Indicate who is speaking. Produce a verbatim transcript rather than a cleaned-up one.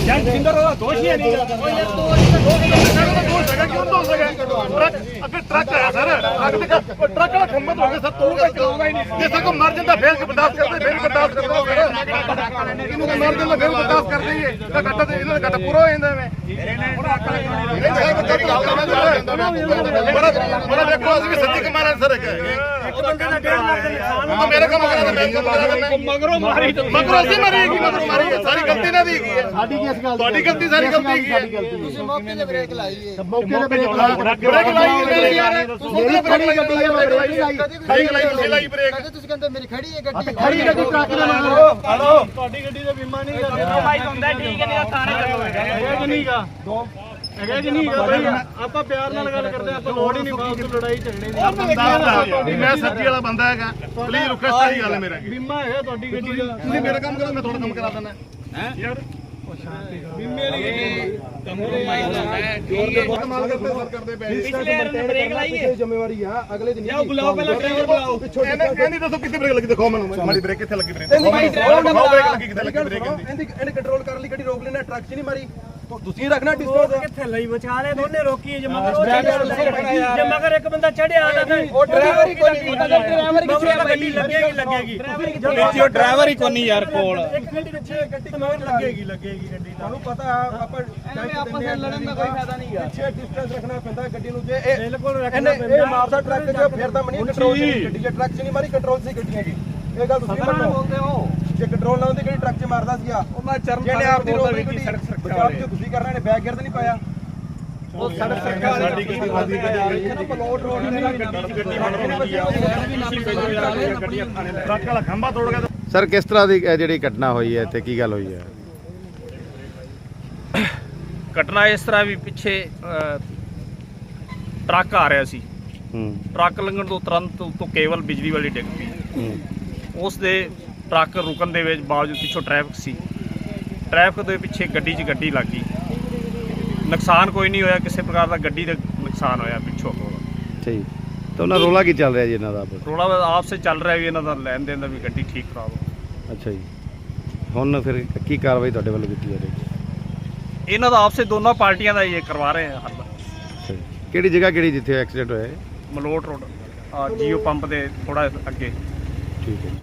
Speaker 1: ਯਾਰ ਜਿੰਦਰ ਉਹਦਾ ਦੋਸ਼ ਹੀ ਨਹੀਂ ਗਾ। ਉਹ ਯਾਰ ਦੋਸ਼ ਦੋਸ਼ ਹੈਗਾ ਕਿਉਂ ਦੋਸ਼ ਹੈਗਾ? ਟਰੱਕ ਅੱਗੇ ਟਰੱਕ ਆਇਆ ਸਰ, ਟਰੱਕ ਦੇ ਟਰੱਕ ਦਾ ਖੰਭਾ ਹੋ ਗਿਆ ਸਰ, ਤੂੰ ਤਾਂ ਚਲਾਉਂਦਾ ਹੀ ਨਹੀਂ। ਜੇ ਸਗੋਂ ਮਰ ਜਾਂਦਾ ਫੇਰ ਕਿ ਬਰਦਾਸ਼ਤ ਕਰਦੇ, ਫੇਰ ਬਰਦਾਸ਼ਤ ਕਰਦੇ ਹੋ ਫਿਰ ਇਹਨੂੰ ਤਾਂ ਮਰ ਜਾਂਦਾ ਫੇਰ ਬਰਦਾਸ਼ਤ ਕਰਦੇ ਹੀ ਤਾਂ ਘੱਟ ਤੇ ਇਹਨਾਂ ਦਾ ਘੱਟ ਪੂਰਾ ਹੋ ਜਾਂਦਾ ਮੈਂ ਬੜਾ ਦੇਖੋ ਅਸੀਂ ਵੀ ਸੱਚੀ ਕਮਾਰਾਂ ਸਰ ਇੱਕ ਬੰਦੇ ਦਾ ਡੇਢ ਲੱਖ ਦਾ ਨੁਕਸਾਨ ਮੇਰੇ ਕੰਮ ਕਰਾ ਮੈਂ ਕੰਮ ਕਰਾ ਮਗਰੋਂ ਮਾਰੀ ਮਗਰੋਂ ਅਸੀਂ ਮਾਰੀਗੀ ਮਗਰੋਂ ਮਾਰੀ ਸਾਰੀ ਗਲਤੀ ਨਾ ਦੀ ਹੈਗੀ ਹੈ ਸਾਡੀ ਕੀ ਇਸ ਗੱਲ ਤੁਹਾਡੀ ਗਲਤੀ ਸਾਰੀ ਗਲਤੀ ਹੈਗੀ ਹੈ ਤੁਸੀਂ ਮੌਕੇ ਤੇ ਬ੍ਰੇਕ ਲਾਈ ਹੈ ਮੌਕੇ ਤੇ ਬ੍ਰੇਕ ਲਾਈ ਬ੍ਰੇਕ ਯਾਰ ਤੁਸੀਂ ਬ੍ਰੇਕ ਗੱਡੀ ਹੈ ਬ੍ਰੇਕ ਲਾਈ ਬ੍ਰੇਕ ਲਾਈ ਤੁਸੀਂ ਲਾਈ ਬ੍ਰੇਕ ਤੁਸੀਂ ਕਹਿੰਦੇ ਮੇਰੀ ਖੜੀ ਹੈ ਗੱਡੀ ਖੜੀ ਗੱਡੀ ਟਰੱਕ ਦੇ ਨਾਲ ਹਲੋ ਤੁਹਾਡੀ ਗੱਡੀ ਦਾ ਬੀਮਾ ਨਹੀਂ ਕਰਦਾ ਭਾਈ ਹੁੰਦਾ ਠੀਕ ਹੈ ਨਹੀਂ ਥਾਣੇ ਕਰੋਗੇ ਇਹ ਕਿ ਨਹੀਂਗਾ ਦੋ ਹੈਗਾ ਕਿ ਨਹੀਂ ਹੈਗਾ ਭਾਈ ਆਪਾਂ ਪਿਆਰ ਨਾਲ ਗੱਲ ਕਰਦੇ ਆਪਾਂ ਲੋੜ ਹੀ ਨਹੀਂ ਬਾਤ ਲੜਾਈ ਝਗੜੇ ਦੀ ਮੈਂ ਸੱਚੀ ਵਾਲਾ ਬੰਦਾ ਹੈਗਾ ਪਲੀਜ਼ ਰੁਕੋ ਸਾਰੀ ਗੱਲ ਮੇਰਾ ਬੀਮਾ ਹੈਗਾ ਤੁਹਾਡੀ ਗੱਡੀ ਦਾ ਤੁਸੀਂ ਮੇਰਾ ਕੰਮ ਕਰੋ ਮੈਂ ਤੁਹਾਡਾ ਕੰਮ ਕਰਾ ਦਿੰਦਾ ਹੈ ਯਾਰ ਬੀਮੇ ਵਾਲੀ ਕੰਪਰੋਮਾਈਜ਼ ਹੈ ਜੋਰ ਦੇ ਬਹੁਤ ਮਾਲ ਕਰਦੇ ਸਰ ਕਰਦੇ ਪਏ ਪਿਛਲੇ ਵਾਰ ਬ੍ਰੇਕ ਲਾਈਏ ਜ਼ਿੰਮੇਵਾਰੀ ਆ ਅਗਲੇ ਦਿਨ ਜਾਓ ਬੁਲਾਓ ਪਹਿਲਾਂ ਡਰਾਈਵਰ ਬੁਲਾਓ ਇਹ ਨਹੀਂ ਦੱਸੋ ਕਿੱਥੇ ਬ੍ਰੇਕ ਲੱਗੀ ਦਿਖਾਓ ਮੈਨੂੰ ਮਾਰੀ ਬ੍ਰੇਕ ਕਿੱਥੇ ਲੱਗੀ ਬ੍ਰੇਕ ਦਿਖਾਓ ਬ੍ਰੇਕ ਲੱਗੀ ਕਿੱਥੇ ਲੱਗੀ ਬ੍ਰੇਕ ਇਹਦੀ ਇਹਨੇ ਕੰਟਰੋਲ ਕਰਨ ਲਈ ਗੱਡੀ ਰੋਕ ਲੈਣਾ ਟਰੱਕ 'ਚ ਨਹੀਂ ਮਾਰੀ ਤੁਸੀਂ ਰੱਖਣਾ ਡਿਸਟੈਂਸ ਕਿੱਥੇ ਲਈ ਵਿਚਾਲੇ ਦੋਨੇ ਰੋਕੀ ਜੇ ਮਗਰ ਜੇ ਮਗਰ ਇੱਕ ਬੰਦਾ ਚੜਿਆ ਤਾਂ ਉਹ ਡਰਾਈਵਰ ਹੀ ਕੋਈ ਨਹੀਂ ਡਰਾਈਵਰ ਕਿੱਥੇ ਗੱਡੀ ਲੱਗੇਗੀ ਲੱਗੇਗੀ ਪਿੱਛੇ ਡਰਾਈਵਰ ਹੀ ਕੋਈ ਨਹੀਂ ਯਾਰ ਕੋਲ ਇੱਕ ਮਿੰਟ ਪਿੱਛੇ ਗੱਡੀ ਮਗਰ ਲੱਗੇਗੀ ਲੱਗੇਗੀ ਗੱਡੀ ਤੁਹਾਨੂੰ ਪਤਾ ਆਪਾਂ ਆਪਸ ਵਿੱਚ ਲੜਨ ਦਾ ਕੋਈ ਫਾਇਦਾ ਨਹੀਂ ਹੈ ਪਿੱਛੇ ਡਿਸਟੈਂਸ ਰੱਖਣਾ ਪੈਂਦਾ ਗੱਡੀ ਨੂੰ ਜੇ ਇਹ ਬਿਲਕੁਲ ਰੱਖਣਾ ਪੈਂਦਾ ਇਹ ਮਾਰਦਾ ਟਰੱਕ ਜੋ ਫਿਰ ਤਾਂ ਮਨੀ ਕੰਟਰੋਲ ਗੱਡੀ ਜੇ ਟਰੱਕ 'ਚ ਨਹੀਂ ਮਾਰੀ ਕੰਟਰੋਲ ਸੀ ਗੱਡੀਆਂ ਦੀ ਇਹ ਗੱਲ ਤੁਸੀਂ ਬੋਲਦੇ ਹੋ ਜੇ ਕੰਟਰੋਲ ਨਾ ਹੁੰਦੀ ਕਿਹੜੀ ਟਰੱਕ 'ਚ ਮਾਰਦਾ ਸੀਗਾ ਉਹ ਮੈਂ ਚਰਨ ਜਿਹਨੇ ਆਪ ਦੀ ਰੋਡ ਦੀ ਸੜਕ ਸੁਰੱਖਿਆ ਵਾਲੇ ਤੁਸੀਂ ਕਰਨਾ ਨੇ ਬੈਕ ਗੇਅਰ ਤੇ ਨਹੀਂ ਪਾਇਆ ਉਹ ਸੜਕ ਸੁਰੱਖਿਆ ਵਾਲੀ ਸਾਡੀ ਗੱਡੀ ਵਾਦੀ ਗੱਡੀ ਪਲੋਟ ਰੋਡ ਤੇ ਗੱਡੀ ਗੱਡੀ ਗੱਡੀਆਂ ਥਾਣੇ ਟਰੱਕ ਵਾਲਾ ਖੰਭਾ ਤੋੜ ਗਿਆ
Speaker 2: ਸਰ ਕਿਸ ਤਰ੍ਹਾਂ ਦੀ ਜਿਹੜੀ ਘਟਨਾ ਹੋਈ ਹੈ ਤੇ ਕੀ ਗੱਲ ਹੋਈ ਹੈ?
Speaker 3: ਘਟਨਾ ਇਸ ਤਰ੍ਹਾਂ ਵੀ ਪਿੱਛੇ ਟਰੱਕ ਆ ਰਿਹਾ ਸੀ
Speaker 2: ਹੂੰ
Speaker 3: ਟਰੱਕ ਲੰਘਣ ਤੋਂ ਤੁਰੰਤ ਉੱਤੋਂ ਕੇਬਲ ਬਿਜਲੀ ਵਾਲੀ ਡਿੱਗ ਪਈ
Speaker 2: ਹੂੰ
Speaker 3: ਉਸ ਦੇ ਟਰੱਕ ਰੁਕਣ ਦੇ ਵਿੱਚ ਬਾਵਜੂਦ ਪਿੱਛੋਂ ਟ੍ਰੈਫਿਕ ਸੀ ਟ੍ਰੈਫਿਕ ਦੇ ਪਿੱਛੇ ਗੱਡੀ 'ਚ ਗੱਡੀ ਲੱਗ ਗਈ ਨੁਕਸਾਨ ਕੋਈ ਨਹੀਂ ਹੋਇਆ ਕਿਸੇ ਪ੍ਰਕਾਰ ਦਾ ਗੱਡੀ ਦਾ ਨੁਕਸਾਨ ਹੋਇਆ ਪਿੱਛੋਂ
Speaker 2: ਠੀਕ ਤਾਂ ਉਹਨਾਂ ਰੋਲਾ ਕੀ ਚੱਲ ਰਿਹਾ ਜੀ ਇਹਨਾਂ ਦਾ
Speaker 3: ਰੋਲਾ ਆਪਸੇ ਚੱਲ ਰਿਹਾ ਵੀ ਇਹਨਾਂ ਦਾ ਲੈਣ ਦੇਣ ਦਾ ਵੀ ਗੱਡੀ ਠੀਕ ਖਰਾਬ ਹੋ
Speaker 2: ਅੱਛਾ ਜੀ ਹੁਣ ਫਿਰ ਕੀ ਕਾਰਵਾਈ ਤੁਹਾਡੇ ਵੱਲੋਂ ਕੀਤੀ ਜਾ ਰਹੀ
Speaker 3: ਇਹਨਾਂ ਦਾ ਆਪਸੇ ਦੋਨੋਂ ਪਾਰਟੀਆਂ ਦਾ ਇਹ ਕਰਵਾ ਰਹੇ ਆ ਹੱਲ
Speaker 2: ਅੱਛਾ ਜੀ ਕਿਹੜੀ ਜਗ੍ਹਾ ਕਿਹੜੀ ਜਿੱਥੇ ਐਕਸੀਡੈਂਟ ਹੋਇਆ ਹੈ?
Speaker 3: ਮਲੋਟ ਰੋਡ ਜੀਓ ਪੰਪ ਦੇ ਥੋੜਾ ਅੱਗੇ
Speaker 2: ਠੀਕ ਹੈ।